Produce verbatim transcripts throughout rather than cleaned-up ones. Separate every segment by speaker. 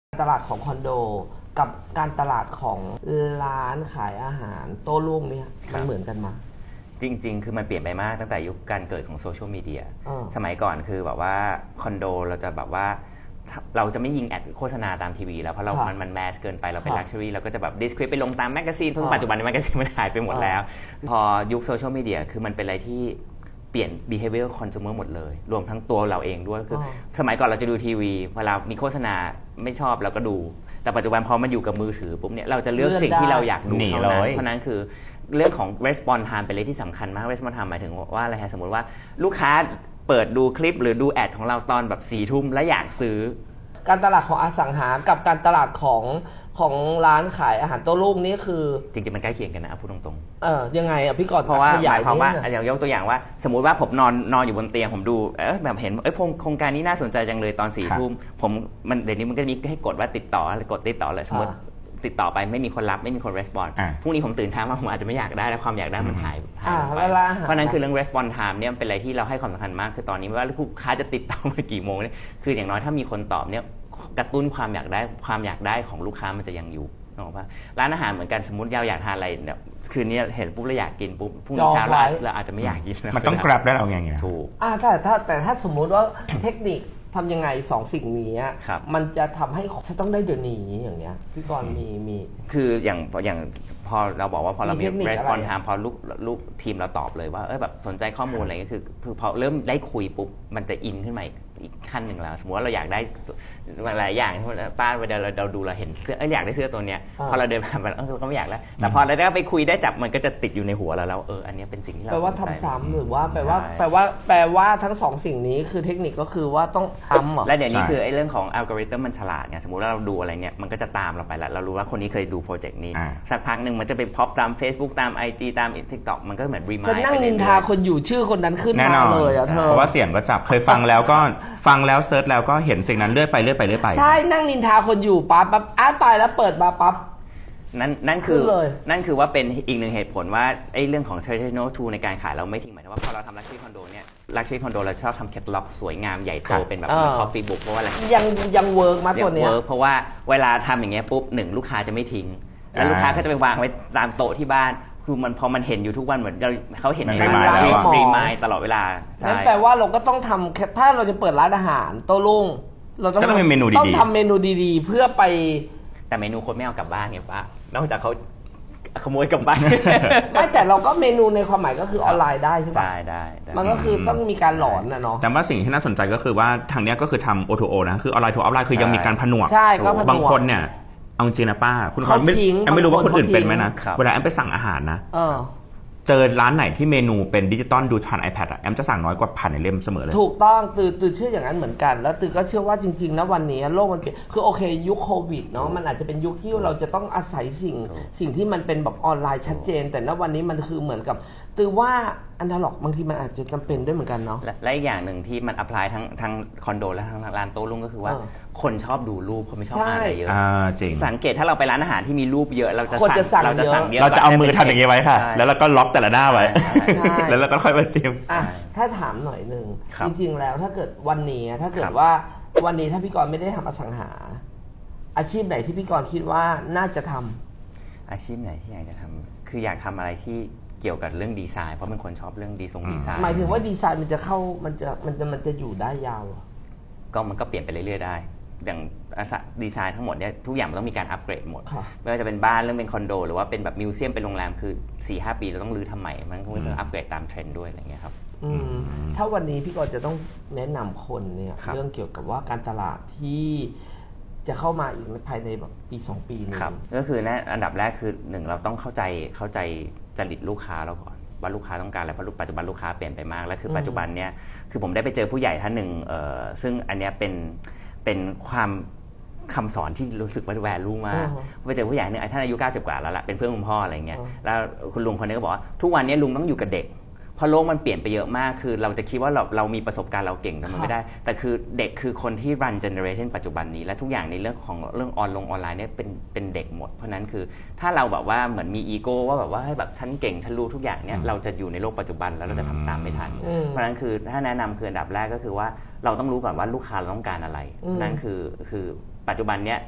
Speaker 1: ตลาดของคอนโดกับการตลาดของร้านขายอาหารโต้รุ่งเนี่ยมันเหมือนกันมา
Speaker 2: จริงๆคือมันเปลี่ยนไปมากตั้งแต่ยุคการเกิดของโซเชียลมีเดียสมัยก่อนคือแบบว่าคอนโดเราจะแบบว่าเราจะไม่ยิงแอดโฆษณาตามทีวีแล้วเพราะเรามันมันแมสเกินไปเราเป็นลักชัวรี่เราก็จะแบบดิสคริปไปลงตามแมกกาซีนเพราะปัจจุบันแมกกาซีนมันหายไปหมดแล้วพอยุคโซเชียลมีเดียคือมันเป็นอะไรที่เปลี่ยน behavior consumer หมดเลยรวมทั้งตัวเราเองด้วยคือสมัยก่อนเราจะดูทีวีเวลามีโฆษณาไม่ชอบเราก็ดูแต่ปัจจุบันพอมันอยู่กับมือถือปุ๊บเนี่ยเราจะเลือกสิ่งที่เราอยากดูเท่านั้นเพราะนั้นคือเรื่องของ response time เป็นเรื่องที่สำคัญมาก response time หมายถึงว่าอะไรฮะสมมติว่าลูกค้าเปิดดูคลิปหรือดูแอดของเราตอนแบบสี่ทุ่มแล้วอยากซื้อ
Speaker 1: การตลาดของอสังหากับการตลาดของของร้านขายอาหารโต้รุ่งนี่คือ
Speaker 2: จริงๆมันใกล้เคียงกันนะพูดตรง
Speaker 1: ๆเออยังไงอ่ะพี่กรณ์
Speaker 2: เพราะว่าหมายความว่าอย่างยกตัวอย่างว่าสมมุติว่าผมนอนนอนอยู่บนเตียงผมดูเออแบบเห็นเอ้ยโครงการนี้น่าสนใจจังเลยตอนสี่ทุ่มผมมันเดี๋ยวนี้มันก็มีให้กดว่าติดต่อกดติดต่อเลยสมมติติดต่อไปไม่มีคนรับไม่มีคนรีสปอนส์พรุ่งนี้ผมตื่นเช้ามาผมอาจจะไม่อยากได้แล้วความอยากได้มันหายหายไปเพราะนั้นคือเรื่อง response time เนี่ยเป็นอะไรที่เราให้ความสำคัญมากคือตอนนี้ไม่ว่าลูกค้าจะติดต่อมากี่โมงเนี่ยคืออย่างน้อยถ้ามีคนตอบเนี่ยกระตุ้นความอยากได้ความอยากได้ของลูกค้ามันจะยังอยู่นึกออกปะร้านอาหารเหมือนกันสมมติเราอยากทานอะไรเนี่ยคืนนี้เห็นปุ๊บเราอยากกินปุ๊บพรุ่งนี้เช้าเราอาจจะไม่อยากกิน
Speaker 3: มันต้องกลับได้เราไงเงี้ย
Speaker 2: ถูก
Speaker 1: อ่าแต่ถ้าแต่ถ้าสมมุติว่าเทคนิคทำยังไงสองสิ่งนี้มันจะทำให้ฉันต้องได้เดี๋ยวนี้อย่างเงี้ยพี่กรณ์มีมี
Speaker 2: คืออย่างอย่างพอเราบอกว่าพอเรามี response time พอลูกลูกทีมเราตอบเลยว่าเออแบบสนใจข้อมูลอะไรก็คือคือพอเริ่มได้คุยปุ๊บมันจะอินขึ้นมาอีกขั้นหนึ่งแล้วสมมติว่าเราอยากได้หลายอย่างป้าเวลาเราดูเราเห็นเสื้อเอออยากได้เสื้อตัวเนี้ยพอเราเดินผ่านไปเออเราก็ไม่อยากแล้วแต่พอเราได้ไปคุยได้จับมันก็จะติดอยู่ในหัวเราแล้วเอออันนี้เป็นสิ่งที่เรา
Speaker 1: แปลว่าทำซ้ำหรือว่าแปลว่าแปลว่าแปลว่าทั้งสองสิ่งนี้คือเทคนิคก็คือว่าต้องทำเหรอ
Speaker 2: และเดี๋ยวนี้คือไอ้เรื่องของอัลกอริทึมมันฉลาดไงสมมติว่าเราดูอะไรเนี่ยมันก็จะตามเราไปแล้วเรารู้ว่าคนนี้เคยดูโปรเจกต์นี้สักพักหนึ่งมันจะไปพ็อปตาม Facebook ตาม ไอ จี ตาม TikTok มันก็เหมือนรีมายด์
Speaker 1: ฉันนั่งนินทาคนอยู่ชื่อคนนั้นขึ้นมาเลยอ่ะเธอ
Speaker 3: เพราะว่าเสียงก็จับเคยฟังแล้วก็ฟังแล้วเซิร์ชแล้วก็เห็นสิ่งนั้นเลื่อยไปเลื่อยไปเลื่อยไป
Speaker 1: ใช่นั่งนินทาคนอยู่ปั๊บปั๊บอ้าตายแล้วเปิดมาปั๊บ
Speaker 2: นั่นนั่นคือนั่นคือว่าเป็นอีกหนึ่งเหตุผลว่าไอ้เรื่องของ traditional tool ในการขายเราไม่ทิ้งหมายถึงว่าพอเราทำ luxury condo เนี่ย luxury condo เราชอบทำแคตตาล็อกสวยงามใหญ่โตเป็นแบบคอฟฟี่บุ๊กเพราะว่าอะไร
Speaker 1: ยังยังเวิร์กมากกว่านี้
Speaker 2: เวิร์กเพราะว่าเวลาทำอย่างเงี้ยปุ๊บหนึ่งลูกค้าจะไม่ทิ้งแล้วลูกค้าก็จะไปวางไว้ตามโต๊ะที่บ้านคือมันพอมันเห็นอยู่ทุกวันเหมือนเขาเห็นในร้านรีมายตลอดเวลา
Speaker 1: นั่นแปลว่าเราก็ต้องทำถ้าเราจะเปิดร้านอาหารโต้รุ่งเราต้อง
Speaker 3: ทำเมนูดี
Speaker 1: ต้องทำเมนูดีๆเพื่อไป
Speaker 2: แต่เมนูคนไม่เอากลับบ้านไงป้านอกจากเขาขโมยกลับบ้าน
Speaker 1: ไม่แต่เราก็เมนูในความหมายก็คือออนไลน์ได้ใช่ไหม
Speaker 2: ใช่ได้
Speaker 1: มันก็คือต้องมีการหลอนนะเนาะ
Speaker 3: แต่ว่าสิ่งที่น่าสนใจก็คือว่าทางนี้ก็คือทำ โอ ทู โอ นะคือออนไลน์ทูออฟไลน์คือยังมีการผนวก
Speaker 1: ใช่ก็
Speaker 3: บางคนเนี่ยเอาจริงนะป้าคุณเขาไม่ไม่รู้ว่าคนอื่นเป็นไหมนะเวลาแอมไปสั่งอาหารนะเจอร้านไหนที่เมนูเป็นดิจิตอลดูผ่าน iPad อ่ะแอมจะสั่งน้อยกว่าผ่านในเล่มเสมอเลย
Speaker 1: ถูกต้องตือตือเชื่ออย่างนั้นเหมือนกันแล้วตือก็เชื่อว่าจริงๆนะวันนี้โลกมันเปลี่ยนคือโอเคยุคโควิดเนาะมันอาจจะเป็นยุคที่เราจะต้องอาศัยสิ่งสิ่งที่มันเป็นแบบออนไลน์ชัดเจนแต่ณวันนี้มันคือเหมือนกับตือว่าอันดาล็อกบางทีมันอาจจะจำเป็นด้วยเหมือนกันเนาะ
Speaker 2: และอีกอย่างหนึ่งที่มันอัพพลายทั้งทั้งคอนโดและทั้งร้านโต้รุ่งก็คือว่าคนชอบดูรูปเขาไม่ชอบอ่านอะไรเยอะ
Speaker 3: จริง
Speaker 2: สังเกตถ้าเราไปร้านอาหารที่มีรูปเยอะเราจะ
Speaker 1: สั่ง
Speaker 2: เราจะสั่งเยอะ
Speaker 3: เราจะเอามือทำอย่างนี้ไว้ค่ะแล้วเราก็ล็อกแต่ละหน้าไว้แล้วเราก็ค่อยมาจิ้ม
Speaker 1: ถ้าถามหน่อยนึงจริงๆแล้วถ้าเกิดวันนี้ถ้าเกิดว่าวันนี้ถ้าพี่กรณ์ไม่ได้ทำอสังหาอาชีพไหนที่พี่กรณ์คิดว่าน่าจะทำ
Speaker 2: อาชีพไหนที่อยากจะทำคืออยากทำอะไรที่เกี่ยวกับเรื่องดีไซน์เพราะเป็นคนชอบเรื่องดีทรงดีไซน์
Speaker 1: หมายถึงว่าดีไซน์มันจะเข้ามันจะมันจะมันจะอยู่ได้ยาว
Speaker 2: ก็มันก็เปลี่ยนไปเรื่อยๆได้อย่างดีไซน์ทั้งหมดเนี่ยทุกอย่างมันต้องมีการอัปเกรดหมดไม่ว่าจะเป็นบ้านเรื่องเป็นคอนโดหรือว่าเป็นแบบมิวเซียมเป็นโรงแรมคือ สี่ห้า ปีเราต้องรื้อทำใหม่มันก็ต้องอัปเกรดตามเทรนด์ด้วยอะไรเงี้ยครับ
Speaker 1: ถ้าวันนี้พี่กรณ์จะต้องแนะนำคนเนี่ยเรื่องเกี่ยวกับว่าการตลาดที่จะเข้ามาอีกภายในแบบปีสองปีนี้
Speaker 2: ก็คือแน่อันดับแรกคือหนึ่งเราต้องเข้าใจเข้าใจจริตลูกค้าเราก่อนว่าลูกค้าต้องการอะไรเพราะปัจจุบันลูกค้าเปลี่ยนไปมากแล้วคือปัจจุบันเนี่ยคือผมได้ไปเจอผู้ใหญ่ท่านหนึ่งซึ่งอันเนี้ยเป็นเป็นความคำสอนที่รู้สึกว่าแวลูมากไปเจอผู้ใหญ่เนี่ยท่านอายุเก้าสิบกว่าแล้วล่ะเป็นเพื่อนคุณพ่ออะไรเงี้ยแล้วคุณลุงคนนี้ก็บอกว่าทุกวันนี้ลุงต้องอยู่กับเด็กเพราะโลกมันเปลี่ยนไปเยอะมากคือเราจะคิดว่าเราเรามีประสบการณ์เราเก่งแต่มันไม่ได้แต่คือเด็กคือคนที่รันเจเนอเรชันปัจจุบันนี้และทุกอย่างในเรื่องของเรื่องออนลงออนไลน์เนี่ยเป็นเป็นเด็กหมดเพราะนั้นคือถ้าเราแบบว่าเหมือนมีอีโก้ว่าแบบว่าให้แบบฉันเก่งฉันรู้ทุกอย่างเนี่ยเราจะอยู่ในโลกปัจจุบันแล้วเราจะทำตามไม่ทันเพราะนั้นคือถ้าแนะนำคืออันดับแรกก็คือว่าเราต้องรู้ก่อนว่าลูกค้าเราต้องการอะไรนั่นคือคือปัจจุบันเนี้ย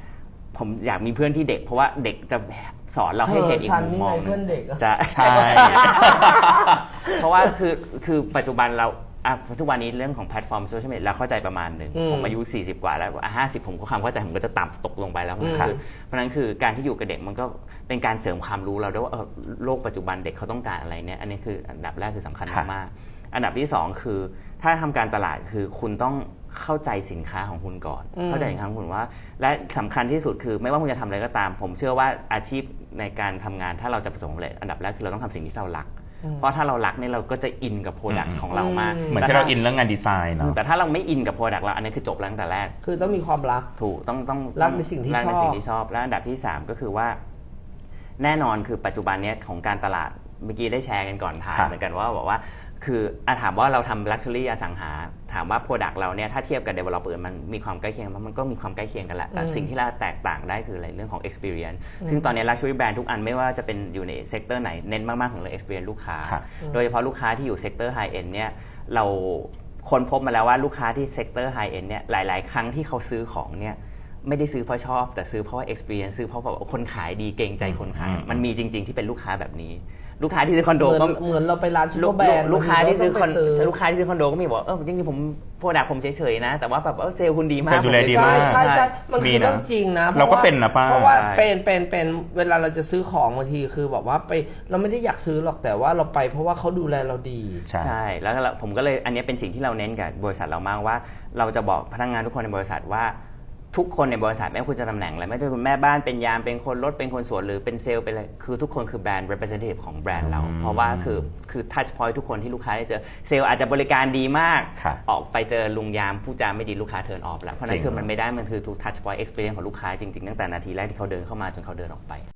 Speaker 2: ผมอยากมีเพื่อนที่เด็กเพราะว่าเด็กจะสอนเราให้เห็นอีกมุมมอง
Speaker 1: เพื่อนเด็ก
Speaker 2: จะ
Speaker 3: ใช่
Speaker 2: เพราะว่าคือคือปัจจุบันเราอ่ะทุกวันนี้เรื่องของแพลตฟอร์มโซเชียลมีเดียเราเข้าใจประมาณหนึ่งผมอายุสี่สิบกว่าแล้วอ่ะห้าสิบผมก็ความเข้าใจผมก็จะต่ำตกลงไปแล้วคือเพราะนั้นคือการที่อยู่กับเด็กมันก็เป็นการเสริมความรู้เราด้วยว่าโลกปัจจุบันเด็กเขาต้องการอะไรเนี่ยอันนี้คืออันดับแรกคือสำคัญมากๆอันดับที่สองคือถ้าทำการตลาดคือคุณต้องเข้าใจสินค้าของคุณก่อนเข้าใจสินค้าของคุณว่าและสำคัญที่สุดคือไม่ว่าคุณจะทำอะไรก็ตาม ผมเชื่อว่าอาชีพในการทำงานถ้าเราจะประสบความสำเร็จอันดับแรกคือเราต้องทำสิ่งที่เรารักเพราะถ้าเรารักเนี่ยเราก็จะอินกับโปรดักต์ของเรามาก
Speaker 3: เหมือนที่เราอินเรื่องงานดีไซน์เนาะ
Speaker 2: แต่ถ้าเราไม่อินกับโปรดักต์เราอันนี้คือจบแล้วตั้งแต่แรก
Speaker 1: คือต้องมีความรัก
Speaker 2: ถูกต้องต้อง
Speaker 1: รักในสิ่งที่ชอบ
Speaker 2: รักในสิ่งที่ชอบและอันดับที่สามก็คือว่าแน่นอนคือปัจจุบันนี้ของการตลาดเมื่อกี้ได้แชร์กันก่อนถ่ายเหมือนกันว่าบอกว่าคืออาถามว่าเราทำ luxury อสังหาถามว่า product เราเนี่ยถ้าเทียบกับ developer มันมีความใกล้เคียงมันก็มีความใกล้เคียงกันแหละแต่สิ่งที่เราแตกต่างได้คืออะไรเรื่องของ experience ซึ่งตอนนี้ luxury brand ทุกอันไม่ว่าจะเป็นอยู่ในเซกเตอร์ไหนเน้นมากๆของเรื่อง experience ลูกค้าโดยเฉพาะลูกค้าที่อยู่เซกเตอร์ high end เนี่ยเราค้นพบมาแล้วว่าลูกค้าที่เซกเตอร์ high end เนี่ยหลายๆครั้งที่เขาซื้อของเนี่ยไม่ได้ซื้อเพราะชอบแต่ซื้อเพราะว่า experience ซื้อเพราะแบบคนขายดีเกรงใจคนขายมันมีจริงๆที่เป็นลูกค้าแบบนี้ลูกค้าที่ซื้อคอนโดก็
Speaker 1: เหมือนเราไปร้านซูเปอร์แบรนด์
Speaker 2: ลูกค้าที่ซื้อคอนลูกค้าที่ซื้อคอนโดก็มีบอกเออจริงๆผมโปรดักต์ผมเฉยๆนะแต่ว่าแบบเออเซลล์คุณดีมาก
Speaker 3: เซลล์ดูแลดีมาก
Speaker 1: ใช่ใช่มันคือเรื่องจริงนะ
Speaker 3: เราก็เป็นนะป้า
Speaker 1: เพราะว่าเป็นเป็นเป็นเวลาเราจะซื้อของบางทีคือแบบว่าไปเราไม่ได้อยากซื้อหรอกแต่ว่าเราไปเพราะว่าเขาดูแลเราดี
Speaker 2: ใช่แล้วผมก็เลยอันนี้เป็นสิ่งที่เราเน้นกับบริษัทเรามากว่าเราจะบอกพนักงานทุกคนในบริษัทว่าทุกคนในบริษัทไม่ว่าคุณจะตำแหน่งอะไรไม่ว่าจะเป็นแม่บ้านเป็นยามเป็นคนรถเป็นคนสวนหรือเป็นเซลล์เป็นอะไรคือทุกคนคือแบรนด์ representative ของแบรนด์เราเพราะว่าคือคือ touch point ทุกคนที่ลูกค้าได้เจอเซลล์อาจจะบริการดีมากออกไปเจอลุงยามผู้จาไม่ดีลูกค้าเทิร์นออฟแล้วเพราะนั้นคือมันไม่ได้มันคือทุก touch point experience ของลูกค้าจริงๆตั้งแต่นาทีแรกที่เขาเดินเข้ามาจนเขาเดินออกไป